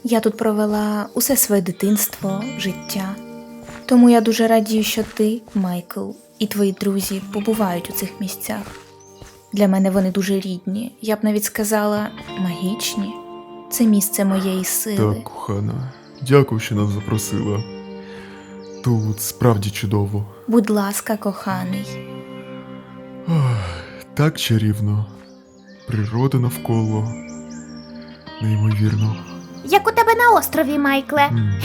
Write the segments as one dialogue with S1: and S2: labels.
S1: Я тут провела усе своє дитинство, життя. Тому я дуже радію, що ти, Майкл, і твої друзі побувають у цих місцях. Для мене вони дуже рідні, я б навіть сказала, магічні. Це місце моєї сили.
S2: Так, кохана, дякую, що нас запросила. Тут справді чудово.
S1: Будь ласка, коханий.
S2: Так чарівно. Природа навколо. Неймовірно.
S3: Як у тебе на острові, Майкле.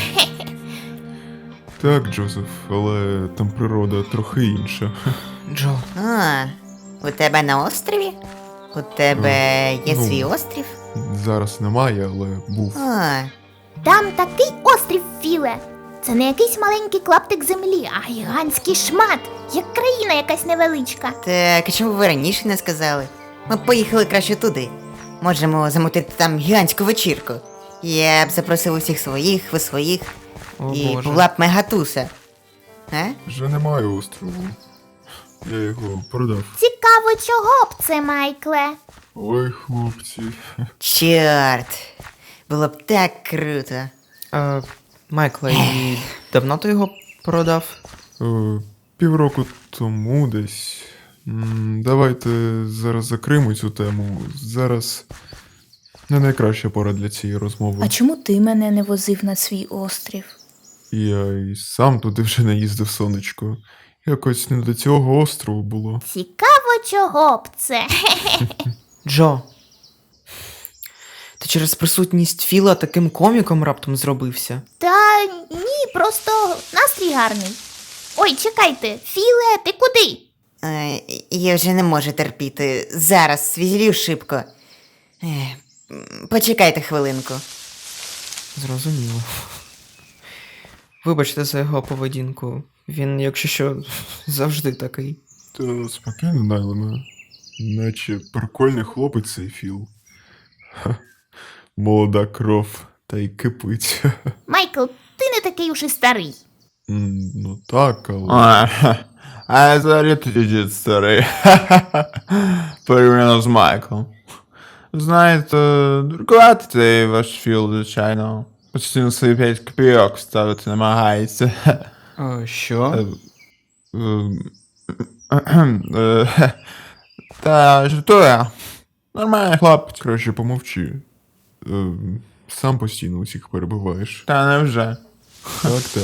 S2: Так, Джозеф, але там природа трохи інша.
S4: Джо,
S5: А, у тебе на острові? У тебе є
S2: Ну.
S5: свій острів?
S2: Зараз немає, але був.
S5: А,
S3: Там такий острів, Філе. Це не якийсь маленький клаптик землі, а гігантський шмат, як країна якась невеличка.
S5: так, а чому ви раніше не сказали? Ми б поїхали краще туди. Можемо замутити там гігантську вечірку. Я б запросив усіх своїх, ви своїх.
S4: о
S5: І
S4: боже.
S5: була б мегатуса. А?
S2: Вже немає острову. Я його продав.
S3: Цікаво, чого б це, Майкле?
S2: Ой, хлопці.
S5: Чорт. Було б так круто.
S4: Майкла, і давно ти його продав?
S2: Півроку тому десь. Давайте зараз закриємо цю тему. Зараз не найкраща пора для цієї розмови.
S1: А чому ти мене не возив на свій острів?
S2: Я і сам туди вже не їздив, сонечко. Якось не до цього острову було.
S3: Цікаво, чого б це.
S4: Джо. Ти через присутність Філа таким коміком раптом зробився.
S3: Та ні, просто настрій гарний. Ой, чекайте, Філе, ти куди?
S5: Я вже не можу терпіти. Зараз свізлю шибко. Почекайте хвилинку.
S4: Зрозуміло. Вибачте за його поведінку. Він, якщо що, завжди такий.
S2: Та спокійно, Найлеме. Наче прикольний хлопець цей Філ. Ха, молода кров, та й кипить.
S3: Майкл, ти не такий уж і старий.
S2: Ну так, але...
S6: А взагалі тоді дід старий. Порівняно з Майклом. Знаєте, дуркувати цей ваш Філ, звичайно. Постійно свої 5 копійок ставити намагається.
S4: Що?
S6: Та жартує. Нормальний хлопець.
S2: Краще помовчи. Сам постійно усіх перебиваєш.
S6: Та невже.
S2: Так, так.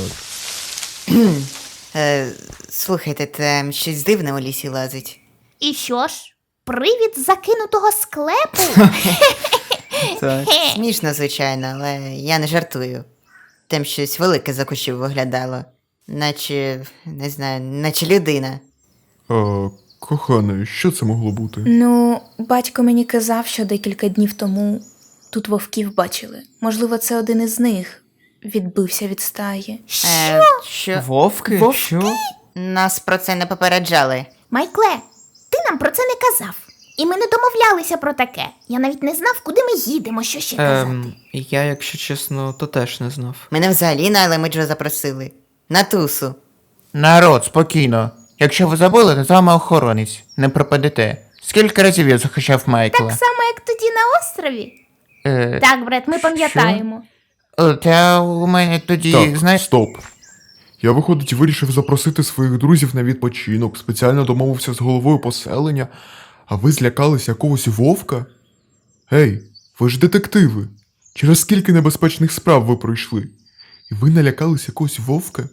S5: Слухайте, там щось дивне у лісі лазить.
S3: І що ж? Привід закинутого склепу?
S4: Так.
S5: Смішно, звичайно, але я не жартую. Там щось велике за кущів виглядало. Наче, не знаю, наче людина.
S2: Кохане, що це могло бути?
S1: Ну, батько мені казав, що декілька днів тому тут вовків бачили. Можливо, це один із них відбився від стаї.
S5: Що?
S4: Вовки?
S1: Вовки?
S4: Що?
S5: Нас про це не попереджали.
S3: Майкле, ти нам про це не казав. І ми не домовлялися про таке. Я навіть не знав, куди ми їдемо, що ще казати.
S4: Я, якщо чесно, то теж не знав.
S5: Мене взагалі на Елемиджо запросили. На тусу.
S6: Народ, спокійно. Якщо ви забули, то з вами охоронець. Не пропадете. Скільки разів я захищав Майкла?
S3: Так само, як тоді на острові.
S6: Е,
S3: Так, Бред, ми пам'ятаємо.
S6: Та у мене тоді,
S2: Так,
S6: знаєш...
S2: стоп. Я, виходить, вирішив запросити своїх друзів на відпочинок, спеціально домовився з головою поселення, а ви злякались якогось вовка? Гей, ви ж детективи. Через скільки небезпечних справ ви пройшли? І ви налякались якогось вовка?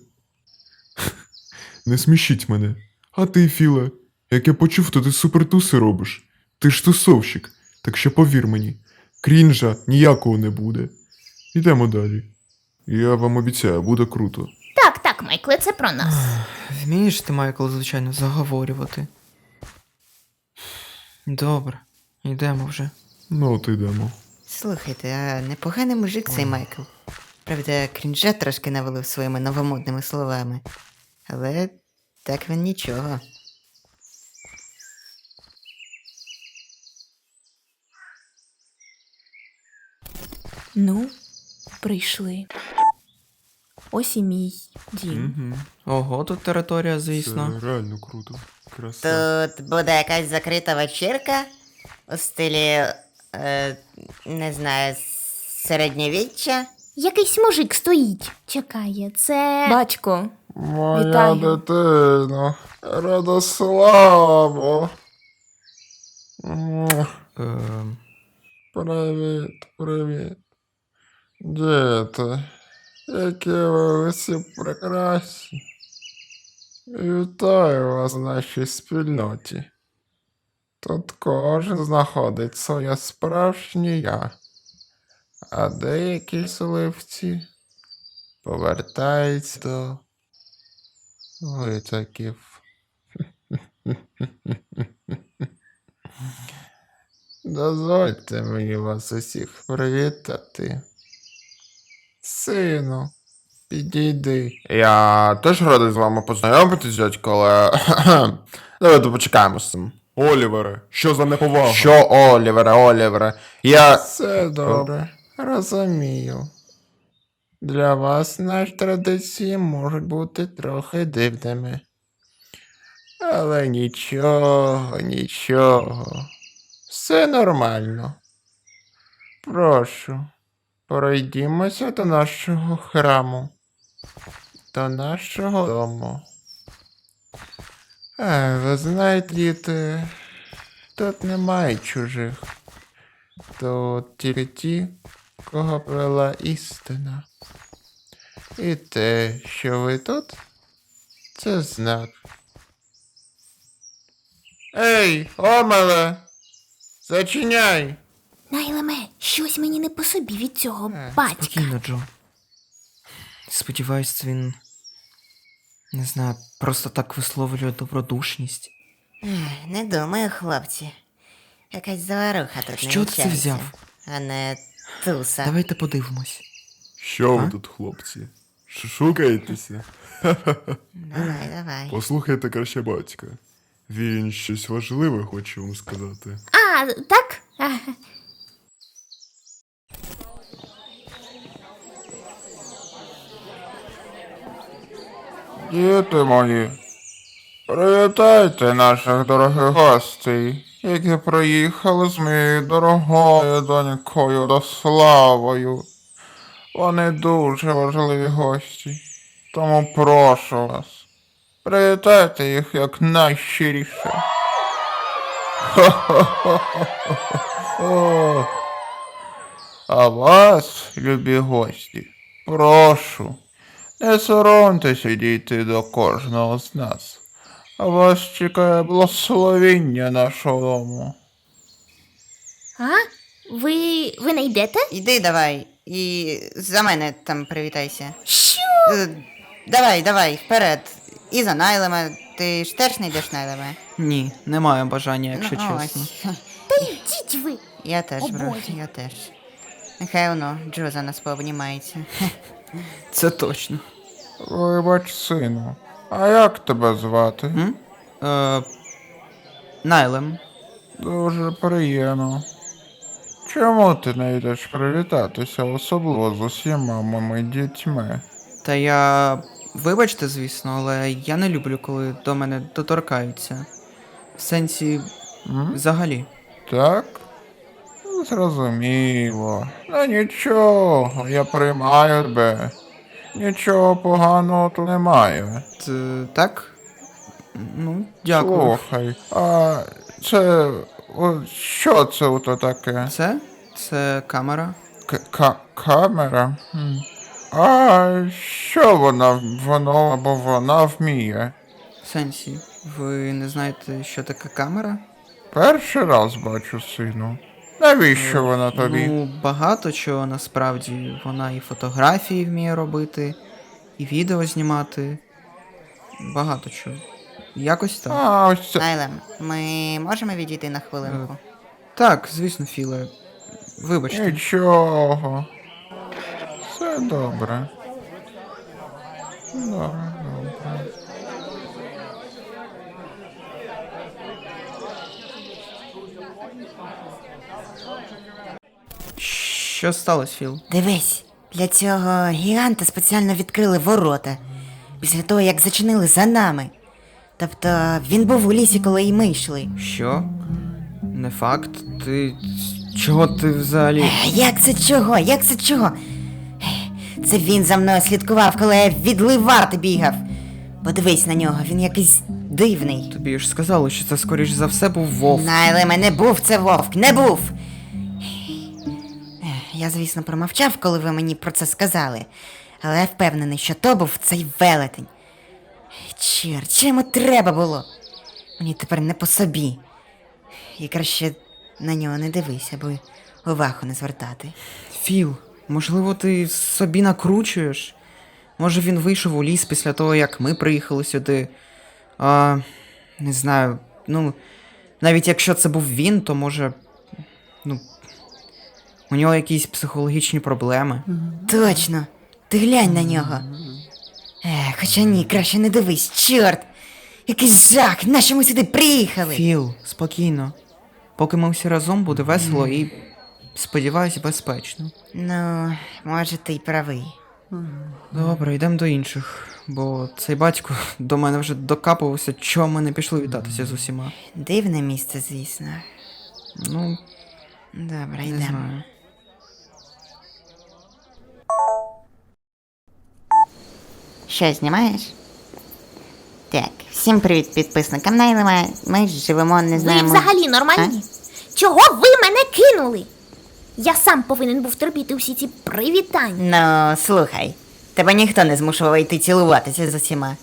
S2: Не смішіть мене. А ти, Філе, як я почув, то ти супертуси робиш. Ти ж тусовщик, так що повір мені, крінжа ніякого не буде. Ідемо далі. Я вам обіцяю, буде круто.
S3: Так, Майкле, це про нас.
S4: Вмієш ти, Майкл, звичайно, заговорювати. Добре, йдемо вже.
S2: Ну, от ідемо.
S5: Слухайте, а непоганий мужик цей Майкл. Правда, крінжа трошки навалив своїми новомодними словами. Але так він нічого.
S1: Ну, прийшли. Ось і мій дім.
S4: Ого, тут територія, звісно.
S2: Це реально круто. Краса.
S5: Тут буде якась закрита вечірка у стилі, не знаю, Середньовіччя?
S3: Якийсь мужик стоїть, чекає. Це.
S1: Батько,
S6: Моя
S1: Вітаю.
S6: дитино, Радославо. Привіт, привіт. Діти, які ви усі прекрасні. Вітаю вас в нашій спільноті. Тут кожен знаходить своє справжнє я, а деякі сливці повертаються до витоків. Дозвольте мені вас усіх привітати. Сину, підійди. Я теж радий з вами познайомитись, дядько, але давайте почекаємо з цим.
S2: Олівере, що за неповага?
S6: Що, Олівере? Я.
S5: Все добре, розумію. Для вас наші традиції можуть бути трохи дивними. Але нічого. Все нормально. Прошу, пройдімося до нашого храму, до нашого дому. Ви знаєте, діти, тут немає чужих. Тут тільки ті, кого привела істина. І те, що ви тут, це знак. Ей, Омеле! Зачиняй!
S3: Найлеме, щось мені не по собі від цього батька.
S4: Спокійно, Джо. Сподіваюсь, він. Не знаю, просто так висловлює добродушність.
S5: Не думаю, хлопці. Якась заваруха тут
S4: Що ти це взяв?
S5: а не туса.
S4: Давайте подивимось.
S2: Що ви
S4: А?
S2: тут, хлопці? Шукаєтеся?
S5: Давай.
S2: Послухайте краще батька. Він щось важливе хоче вам сказати.
S3: А, так?
S6: Діти мої, привітайте наших дорогих гостей, які приїхали з моєю дорогою донькою Радославою. Вони дуже важливі гості, тому прошу вас, привітайте їх як найщиріше. Хо-хо-хо-хо-хо. А вас, любі гості, прошу, не соромтеся дійти до кожного з нас. А вас чекає благословіння нашого дому.
S3: А? Ви не йдете?
S5: Іди давай, і за мене там привітайся.
S3: Що?
S5: Давай, вперед. І за Найлема. Ти ж теж не йдеш Найлеме?
S4: Ні, не маю бажання, якщо
S5: Ну,
S4: чесно.
S5: ось.
S3: Та йдіть ви.
S5: Я теж,
S3: О,
S5: бро,
S3: Боже.
S5: я теж. Нехай воно, Джо за нас пообнімається.
S4: Це точно.
S6: Вибач, сину, а як тебе звати?
S4: Найлем.
S6: Дуже приємно. Чому ти не йдеш привітатися, особливо з усіма моїми дітьми?
S4: Та я. Вибачте, звісно, але я не люблю, коли до мене доторкаються. В сенсі, взагалі.
S6: Так? Зрозуміло. Ну нічого, я приймаю тебе. Нічого поганого тут немає.
S4: Так? Ну, дякую.
S6: Слухай, а це. Що це ото таке?
S4: Це камера.
S6: Камера? А що воно або вона вміє?
S4: В сенсі, ви не знаєте, що таке камера?
S6: Перший раз бачу, сину. Навіщо вона тобі?
S4: Ну, багато чого насправді. Вона і фотографії вміє робити, і відео знімати. Багато чого. Якось так.
S6: А, ось це.
S5: Найлем, ми можемо відійти на хвилинку?
S4: Так, звісно, Філе. Вибачте.
S6: Нічого. Все добре. Добре.
S4: Що сталося, Філ?
S5: Дивись, для цього гіганта спеціально відкрили ворота. Після того, як зачинили за нами. Тобто він був у лісі, коли і ми йшли.
S4: Що? Не факт. Ти Чого ти взагалі?
S5: Як це чого? Як це чого? Це він за мною слідкував, коли я від ливарти бігав. Подивись на нього, він якийсь дивний.
S4: Тобі ж сказали, що це скоріш за все був вовк.
S5: Найлеме, не був це вовк, не був. Я, звісно, промовчав, коли ви мені про це сказали, але я впевнений, що то був цей велетень. Чорт, що йому треба було? Мені тепер не по собі. І краще на нього не дивись, аби увагу не звертати.
S4: Філ, можливо, ти собі накручуєш? Може він вийшов у ліс після того, як ми приїхали сюди. Не знаю, ну, навіть якщо це був він, то може. Ну. У нього якісь психологічні проблеми.
S5: Точно, ти глянь на нього. Хоча ні, краще не дивись, чорт! Якийсь жах, нащо ми сюди приїхали?
S4: Філ, спокійно. Поки ми всі разом, буде весело і, сподіваюсь, безпечно.
S5: Ну, може, ти й правий.
S4: Добре, йдемо до інших, бо цей батько до мене вже докапувався, чого ми не пішли вітатися з усіма.
S5: Дивне місце, звісно.
S4: Ну,
S5: Добре,
S4: не
S5: йдемо.
S4: знаю.
S5: Що, знімаєш? Так, всім привіт підписникам Найлема. Ми живемо, не
S3: Ви
S5: знаємо.
S3: взагалі нормальні? Чого ви мене кинули? Я сам повинен був терпіти всі ці привітання.
S5: Ну, слухай, тебе ніхто не змушував йти цілуватися з усіма.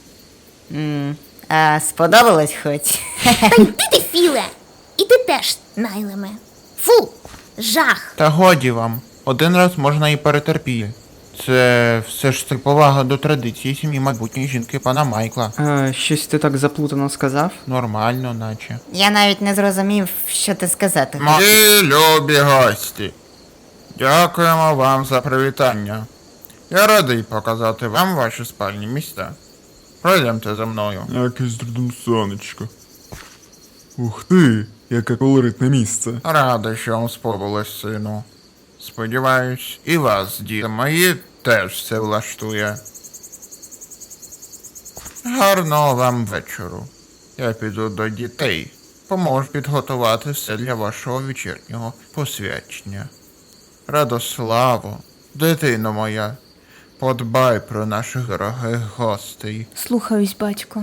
S5: А сподобалось хоч?
S3: Та йди ти, Філе! І ти теж, Найлеме. Фу, жах.
S6: Та годі вам. Один раз можна і перетерпіти. Це все ж це повага до традиції сім'ї майбутньої жінки пана Майкла.
S4: Щось ти так заплутано сказав?
S6: Нормально, наче.
S5: Я навіть не зрозумів, що ти сказати.
S6: Мої любі гості. Дякуємо вам за привітання. Я радий показати вам ваші спальні місця. Пройдемте за мною.
S2: Якесь дурдом сонечко. Ух ти, яке колоритне місце.
S6: Радий, що вам сподобалось, сину. Сподіваюсь, і вас, діти мої, теж це влаштує. Гарного вам вечору. Я піду до дітей. Поможу підготувати все для вашого вечірнього посвячення. Радославо, дитино моя, подбай про наших дорогих гостей.
S1: Слухаюсь, батько.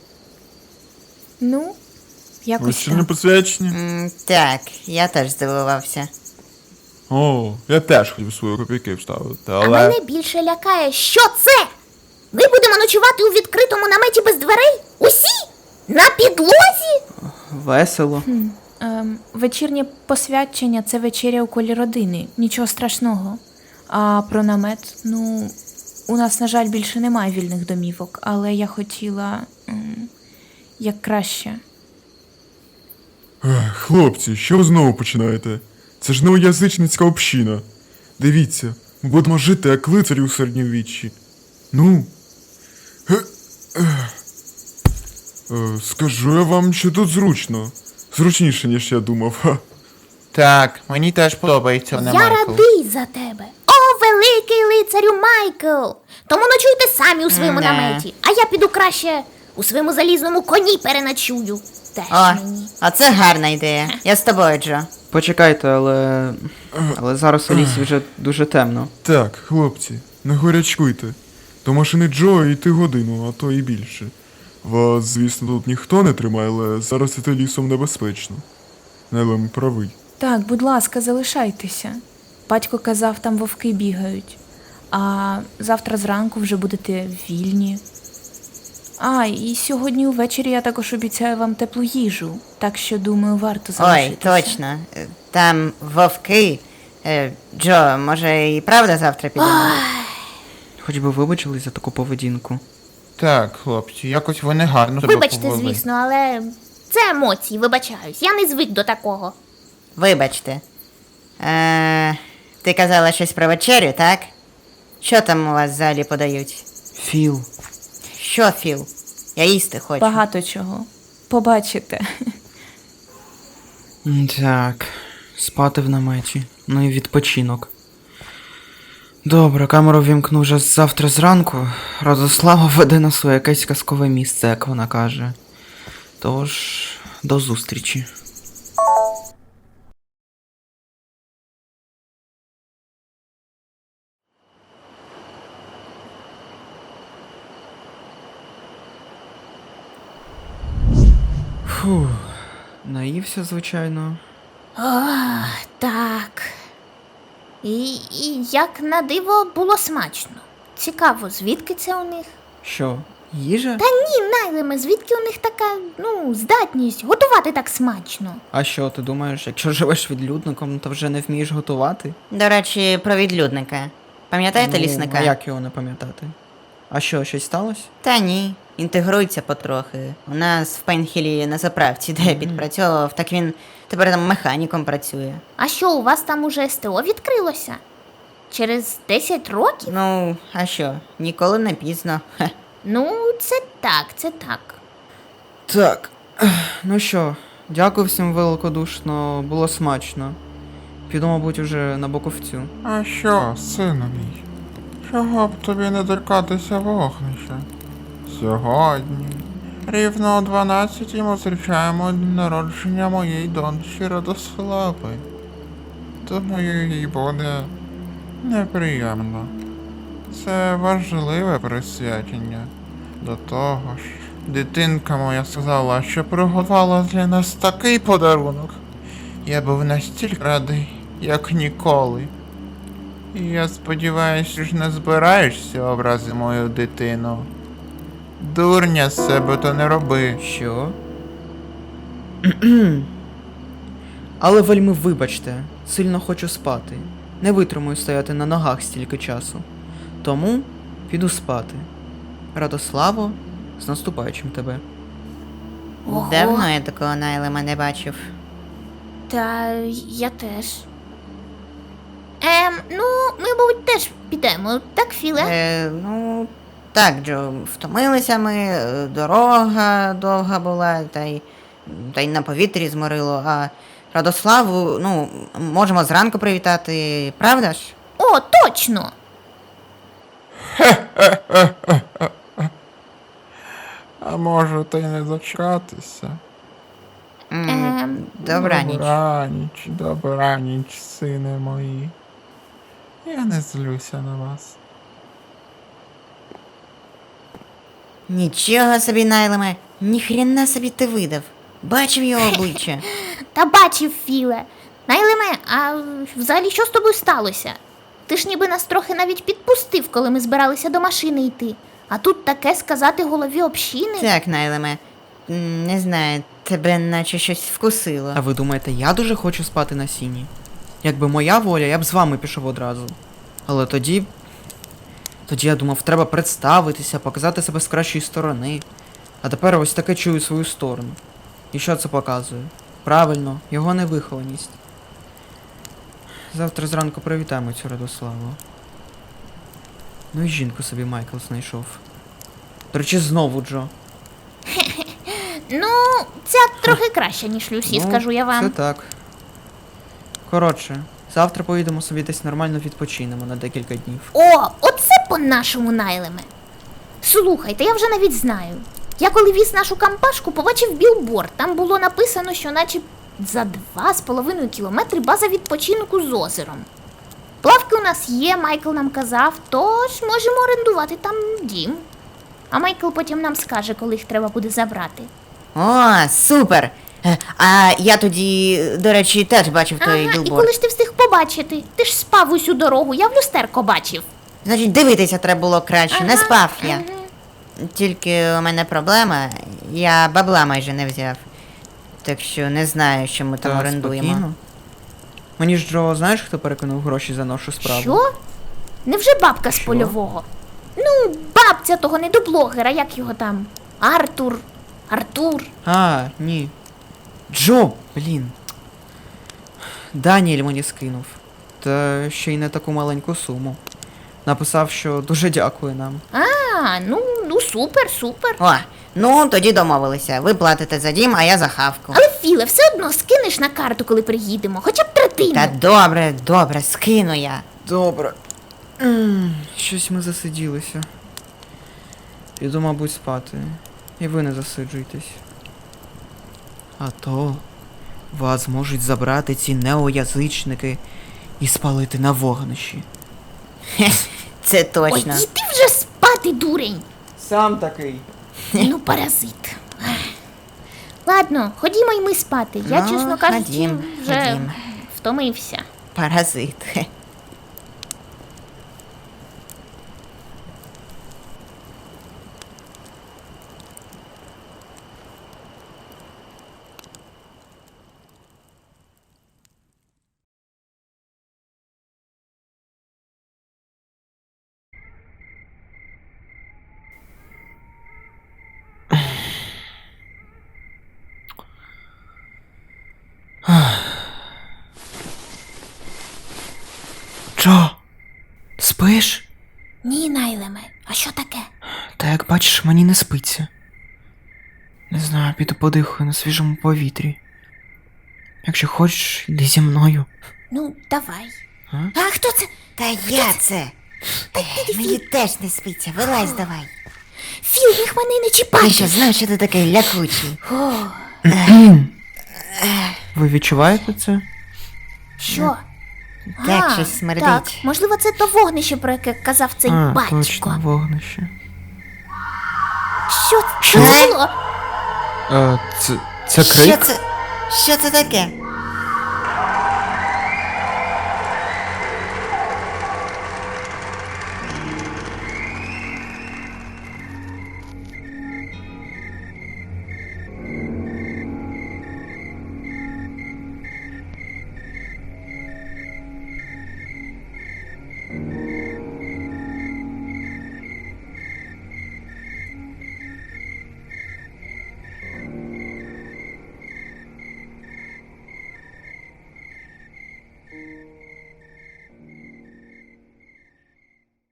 S1: Ну, якось
S2: Вечірнє
S1: так.
S2: посвячення?
S5: Так, я теж здивувався.
S2: О, я теж хотів свої копійки вставити,
S3: А
S2: але...
S3: мене більше лякає, що це? Ми будемо ночувати у відкритому наметі без дверей? Усі? На підлозі?
S4: Весело.
S1: Вечірнє посвячення це вечеря у колі родини. Нічого страшного. А про намет, ну, у нас, на жаль, більше немає вільних домівок, але я хотіла як краще.
S2: Хлопці, що ви знову починаєте? Це ж неоязичницька община. Дивіться, ми будемо жити як лицарі у середньовіччі. Ну. Скажу я вам, що тут зручно. Зручніше, ніж я думав. Ха.
S6: Так, мені теж подобається не
S3: Я
S6: Майкл.
S3: радий за тебе. О, великий лицарю Майкл! Тому ночуйте самі у своєму
S5: Не.
S3: наметі, а я піду краще у своєму залізному коні переночую. Теж
S5: О,
S3: мені.
S5: оце гарна ідея. Я з тобою, Джо.
S4: Почекайте, але зараз у лісі вже дуже темно.
S2: Так, хлопці, не горячкуйте. До машини Джо йти годину, а то і більше. Вас, звісно, тут ніхто не тримає, але зараз іти лісом небезпечно. Нелем правий.
S1: Так, будь ласка, залишайтеся. Батько казав, там вовки бігають. А завтра зранку вже будете вільні. А, і сьогодні увечері я також обіцяю вам теплу їжу. Так що, думаю, варто
S5: Ой,
S1: залишитися.
S5: точно. Там вовки. Джо, може і правда завтра підемо?
S4: Хоч би вибачились за таку поведінку.
S6: Так, хлопці, якось ви негарно себе
S3: Вибачте,
S6: повели.
S3: звісно, але це емоції, вибачаюсь. Я не звик до такого.
S5: Вибачте. Ти казала щось про вечерю, так? Що там у вас в залі подають?
S4: Філ,
S5: Що, Філ? Я їсти хочу.
S1: Багато чого. Побачите.
S4: так, спати в наметі. Ну і відпочинок. Добре, камеру вімкну вже завтра зранку. Радослава веде нас у якесь казкове місце, як вона каже. Тож, до зустрічі. Наївся, звичайно.
S3: Так. І як на диво було смачно. Цікаво, звідки це у них?
S4: Що, їжа?
S3: Та ні, Найлеме, звідки у них така, здатність готувати так смачно?
S4: А що, ти думаєш, якщо живеш відлюдником, то вже не вмієш готувати?
S5: До речі, про відлюдника. Пам'ятаєте лісника?
S4: А як його не пам'ятати? А що, щось сталося?
S5: Та ні, інтегрується потрохи. У нас в Пейнхілі на заправці, де я підпрацьовував, так він тепер там механіком працює.
S3: А що, у вас там уже СТО відкрилося? Через 10 років?
S5: Ну, а що, ніколи не пізно. Хе.
S3: Ну, це так, це так.
S4: Так, ну що, дякую всім великодушно, було смачно. Піду, мабуть, уже на боковцю.
S6: А що, сину мій? Чого б тобі не доркатися вогнища? Сьогодні, рівно о 12 ми зустрічаємо день народження моєї доньки Радослави. Думаю, їй буде неприємно. Це важливе присвячення. До того ж, дитинка моя сказала, що приготувала для нас такий подарунок. Я був настільки радий, як ніколи. І я сподіваюся, що ж не збираєшся образити мою дитину. Дурня з себе то не роби.
S4: Що? Але вельми вибачте, сильно хочу спати. Не витримую стояти на ногах стільки часу. Тому піду спати. Радославо, з наступаючим тебе.
S3: Ого.
S5: Давно я такого Найлема не бачив.
S3: Та я теж. Ми, мабуть, теж підемо, так, Філе?
S5: Ну, так, Джо, втомилися ми, дорога довга була, та й на повітрі зморило, а Радославу, можемо зранку привітати, правда ж?
S3: О, точно!
S6: А може та й не дочекатися?
S5: Добраніч.
S6: Добраніч, сини мої. Я не злюся на вас.
S5: Нічого собі, Найлеме, ніхрена собі ти видав. Бачив його обличчя.
S3: Та бачив, Філе. Найлеме, а взагалі що з тобою сталося? Ти ж ніби нас трохи навіть підпустив, коли ми збиралися до машини йти. А тут таке сказати голові общини.
S5: Так, Найлеме, не знаю, тебе наче щось вкусило.
S4: А ви думаєте, я дуже хочу спати на сіні? Якби моя воля, я б з вами пішов одразу. Але тоді я думав, треба представитися, показати себе з кращої сторони. А тепер ось таке чую свою сторону. І що це показує? Правильно, його невихованість. Завтра зранку привітаємо цю Радославу. Ну і жінку собі Майкл знайшов. До речі, знову Джо.
S3: Ну, ця трохи краще, ніж Люсі, скажу я вам.
S4: Це так. Коротше, завтра поїдемо собі десь нормально відпочинемо на декілька днів.
S3: О, оце по-нашому, Найлеме. Слухайте, я вже навіть знаю. Я коли віз нашу кампашку, побачив білборд. Там було написано, що наче за 2,5 кілометри база відпочинку з озером. Плавки у нас є, Майкл нам казав, тож можемо орендувати там дім. А Майкл потім нам скаже, коли їх треба буде забрати.
S5: О, супер! А я тоді, до речі, теж бачив той
S3: Ага, і
S5: білборд.
S3: коли ж ти встиг побачити? Ти ж спав усю дорогу, я в люстерко бачив.
S5: Значить, дивитися треба було краще, не
S3: Ага,
S5: спав я.
S3: ага.
S5: Тільки у мене проблема, я бабла майже не взяв. Так що не знаю, що ми там
S4: Та,
S5: орендуємо.
S4: спокійно. Мені ж Джо, знаєш, хто перекинув гроші за нашу справу?
S3: Що? Невже бабка з
S4: Що?
S3: польового? Ну, бабця того недоблогера, як його там? Артур.
S4: А, ні. Джо, блін. Даніель мені скинув. Та ще й не таку маленьку суму. Написав, що дуже дякує нам.
S3: Ну супер.
S5: О, ну тоді домовилися. Ви платите за дім, а я за хавку.
S3: Але Філе, все одно скинеш на карту, коли приїдемо, хоча б третину.
S5: Та добре, скину я.
S4: Добре. Щось ми засиділися. Піду, мабуть, спати. І ви не засиджуйтесь. А то вас можуть забрати ці неоязичники і спалити на вогнищі.
S5: Це
S3: Ой,
S5: точно.
S3: іди вже спати, дурень.
S4: Сам такий.
S3: Ну, паразит. Ах. Ладно, ходімо й ми спати. Я,
S5: Ну,
S3: чесно кажучи,
S5: ходім,
S3: вже
S5: ходім.
S3: втомився.
S5: Паразит.
S4: Джо, спиш?
S3: Ні, Найлеме, а що таке?
S4: Та як бачиш, мені не спиться. Не знаю, піду подихаю на свіжому повітрі. Якщо хочеш, йди зі мною.
S3: Ну, давай.
S4: А?
S3: А хто це?
S5: Та я це. Мені теж не спиться, вилазь давай.
S3: Філ, їх мене не
S5: Ти
S3: чіпай.
S5: що, знаєш, що ти такий лякучий?
S4: Ви відчуваєте це?
S3: Що?
S5: Так,
S3: А,
S5: щось смердить.
S3: Так, можливо, це то вогнище, про яке казав цей батько.
S4: Точно, вогнище.
S3: Що це було?
S4: Це
S5: Що
S4: крик?
S5: це? Що це таке?